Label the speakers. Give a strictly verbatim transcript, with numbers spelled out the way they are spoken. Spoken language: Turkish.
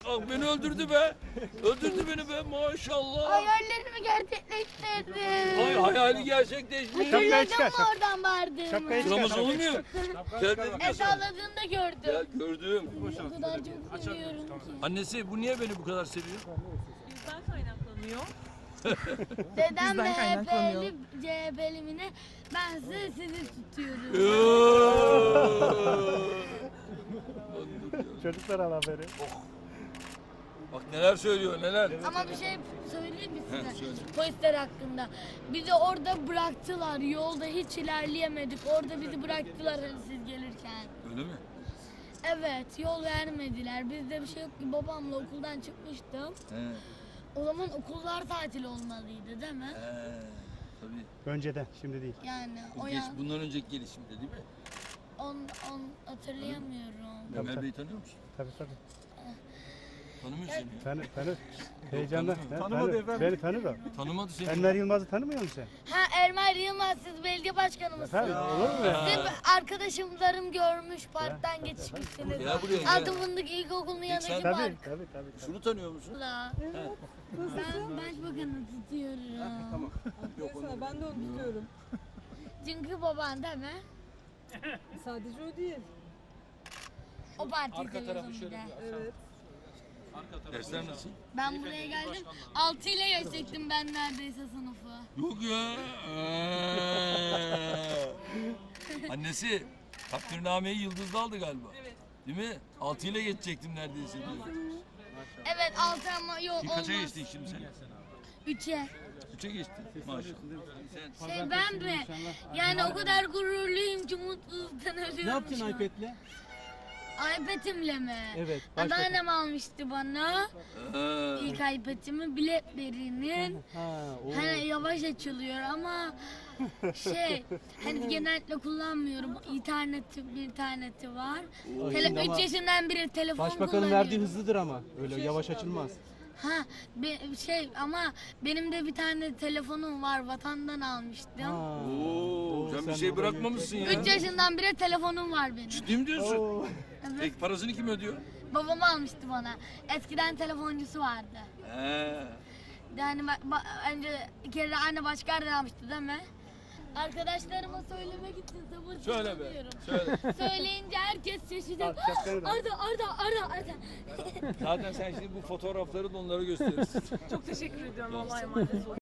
Speaker 1: Ah, beni öldürdü be. Öldürdü beni be maşallah.
Speaker 2: Hayallerimi gerçekleştirdim.
Speaker 1: Ay hayali gerçekleşmiş.
Speaker 2: Hatırladın
Speaker 3: çıkar,
Speaker 2: mı
Speaker 3: şap-
Speaker 2: oradan vardığımı?
Speaker 3: şapkayı çıkar.
Speaker 1: Buramız olmuyor. Gel dedim ya
Speaker 2: E
Speaker 1: sana.
Speaker 2: salladığında gördüm.
Speaker 1: Gel gördüm.
Speaker 2: O kadar çok seviyorum ki.
Speaker 1: Annesi bu niye beni bu kadar seviyor?
Speaker 4: Bizden kaynaklanıyor.
Speaker 2: Dedem
Speaker 4: Bizden kaynaklanıyor.
Speaker 2: M H P'li, C H P'li mi ne? Ben sizi, sizi tutuyorum.
Speaker 3: Çocuklar al haberi.
Speaker 1: Bak neler söylüyor neler.
Speaker 2: Ama bir şey söyleyeyim mi
Speaker 1: Heh,
Speaker 2: size?
Speaker 1: söyle.
Speaker 2: Polisler hakkında. Bizi orada bıraktılar. Yolda hiç ilerleyemedik. Orada bizi bıraktılar hani siz gelirken.
Speaker 1: Öyle mi?
Speaker 2: Evet, yol vermediler. Bizde bir şey yok ki. Babamla okuldan çıkmıştım.
Speaker 1: He.
Speaker 2: O zaman okullar tatil olmalıydı değil mi?
Speaker 1: He. Tabii.
Speaker 3: Önceden, şimdi değil.
Speaker 2: Yani
Speaker 1: Bu
Speaker 2: o
Speaker 1: geç,
Speaker 2: ya,
Speaker 1: bundan önceki gelişimde değil mi?
Speaker 2: on, on hatırlayamıyorum.
Speaker 1: Ömer
Speaker 3: tabii.
Speaker 1: Bey'i tanıyor musun?
Speaker 3: Tabii tabii.
Speaker 1: Tanımıyor seni.
Speaker 3: Tanı, tanı. Heyecandan.
Speaker 1: tanımıyor.
Speaker 3: Ha,
Speaker 5: Tanımadı
Speaker 3: tanı-
Speaker 5: efendim.
Speaker 3: Beni tanı da.
Speaker 1: Tanımadı seni.
Speaker 3: Enver Yılmaz'ı tanımıyor musun sen?
Speaker 2: Ha Ermer Yılmaz, siz belediye başkanı mısınız?
Speaker 3: Efendim, olur mu ya?
Speaker 2: Siz arkadaşlarım görmüş, parktan geçmişsiniz.
Speaker 1: Gel buraya, gel.
Speaker 2: Adım Fındık İlkokulu'nun yanındaki
Speaker 1: sen-
Speaker 3: Tabii,
Speaker 2: park.
Speaker 3: tabii, tabii.
Speaker 1: Şunu tanıyor musun?
Speaker 2: Ben başbakanı tutuyorum.
Speaker 4: Mesela ben de onu tutuyorum.
Speaker 2: Çünkü baban değil mi?
Speaker 4: Sadece o değil.
Speaker 2: O partiyi seviyorsun bir de.
Speaker 4: Evet.
Speaker 1: Dersler nasıl?
Speaker 2: Ben buraya geldim, altı ile geçecektim ben neredeyse sınıfı.
Speaker 1: Yok ya. Ee. Annesi takdirnameyi Yıldız'da aldı galiba.
Speaker 4: Evet.
Speaker 1: Değil mi? Altı ile geçecektim neredeyse diyor.
Speaker 2: Evet altı ama yok
Speaker 1: Şimdi kaça
Speaker 2: olmaz.
Speaker 1: geçtin şimdi sen?
Speaker 2: Üçe.
Speaker 1: Üçe geçtin. Maşallah. Sen
Speaker 2: Şey ben mi? Yani o kadar gururluyum ki mutluluktan ölüyorum
Speaker 5: Ne yaptın
Speaker 2: şu an.
Speaker 5: iPad'le?
Speaker 2: iPad'imle mi?
Speaker 5: Evet, başka-
Speaker 2: Anneannem almıştı bana.
Speaker 1: Ee,
Speaker 2: İlk iPad'imi BlackBerry'nin.
Speaker 5: Ha, o.
Speaker 2: Hani yavaş açılıyor ama şey hani genellikle kullanmıyorum. İnterneti bir interneti var.
Speaker 5: O
Speaker 2: Tele,
Speaker 5: şimdi ama
Speaker 2: üç yaşından beri telefon
Speaker 5: Başbakanın
Speaker 2: kullanıyorum.
Speaker 5: verdiği hızlıdır ama. Öyle yavaş açılmaz.
Speaker 2: Ha be- şey ama benim de bir tane telefonum var, vatandan almıştım.
Speaker 5: Ha.
Speaker 1: Oo, sen bir
Speaker 5: sen
Speaker 1: şey
Speaker 5: orada
Speaker 1: bırakmamışsın ya.
Speaker 2: üç yaşından beri telefonum var benim.
Speaker 1: Ciddi mi diyorsun?
Speaker 5: Oo.
Speaker 1: Peki parasını kim ödüyor?
Speaker 2: Babam almıştı bana. Eskiden telefoncusu vardı.
Speaker 1: He.
Speaker 2: Yani ba- ba- önce bir kere anne başka yerden almıştı değil mi? Arkadaşlarıma söylemek için
Speaker 1: Söyle be.
Speaker 2: sabırsızlanıyorum.
Speaker 1: Söyle.
Speaker 2: Söyleyince herkes şaşıracak.
Speaker 3: Al, şapkanı da.
Speaker 2: Arda, Arda, Arda, Arda.
Speaker 1: Zaten sen şimdi bu fotoğrafları da onlara gösterirsin.
Speaker 4: Çok teşekkür ediyorum. Allah'a emanet olun.